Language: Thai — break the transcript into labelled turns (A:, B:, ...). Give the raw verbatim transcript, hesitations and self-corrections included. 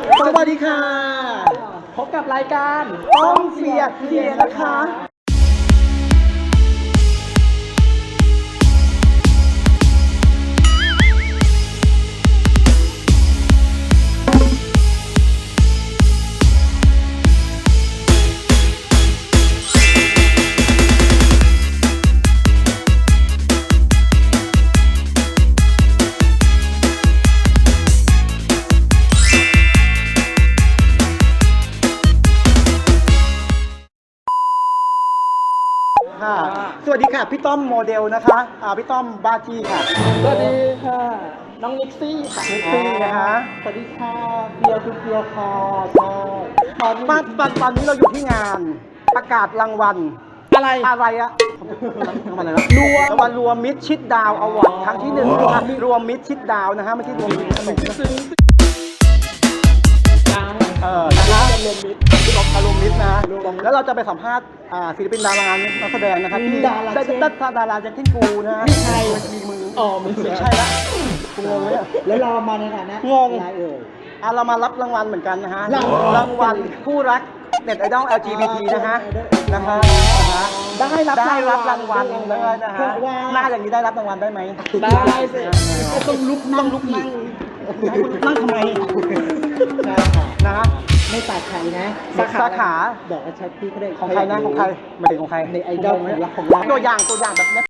A: สวัสดีค่ะพบกับรายการต้องเสียดเสียนะคะค่ะสวัสดีค่ะพี่ต้อมโมเดลนะคะอ่าพี่ต้อมบ้าจี้ค่ะ
B: สวัสดีค่ะน้องนิกซี่ค่ะ
A: นิกซี่นะคะ
B: สวัสดีค่ะเบียร์คือเบียร์ค่ะใช่ตอนนี้
A: ตอนตอนตอนนี้เราอยู่ที่งานประกาศรางวัล
B: อะไร
A: อะไรอะรางวัลอะไรนะรวมรางวัลรวมมิตรชิดดาวอวอร์ดครั้งที่หนึ่งนะคะรวมมิตรชิดดาวนะฮะไม่ใช่รวมมิตรขนมนะ
B: ซึ้งจัง
A: เออนะคะ
B: รวมมิตร
A: รวมอารมณ์มิตรนะแล้วเราจะไปสัมภาษณ์อ่าศิลปินดารานักแสดงนะครับที่
B: ดารา
A: ได้
B: เช่น
A: ได้ดาราอย่างเช่นกูนะฮะ
B: มีใคร
A: มีมือ
B: อ๋อมึง
A: ไม่ใช่ละกูงงเลยอะ
B: แล้วเรามาในฐานะ
A: งง
B: อะไรเอ่ย
A: อ่ะเรามารับรางวัลเหมือนกันนะฮะ
B: รางวัล
A: รางวัลคู่รักเน็ตไอดอล แอล จี บี ที นะฮะนะฮะนะฮะ
B: ได้รับ
A: ได้รับรางวัลเลยนะ
B: เพ
A: ฮะ
B: ราะว่า
A: หน้าอย่างนี้ได้รับรางวัลได้ไหม
B: ได้สิต้องลุก
A: ต้
B: นั่
A: อง งลุกนั่งให้คุณนั่งทำไม
B: ใช่ค่ะ
A: นะ
B: ไม่ตัดใครนะ
A: สาขาสาขา
B: บอกว่าชัดพี่เขาได้
A: ของใครนะของใครหมายถึงของใคร
B: ในไอดอลของเราของเรา
A: ตัวอย่างตัวอย่างแบบเนี้ย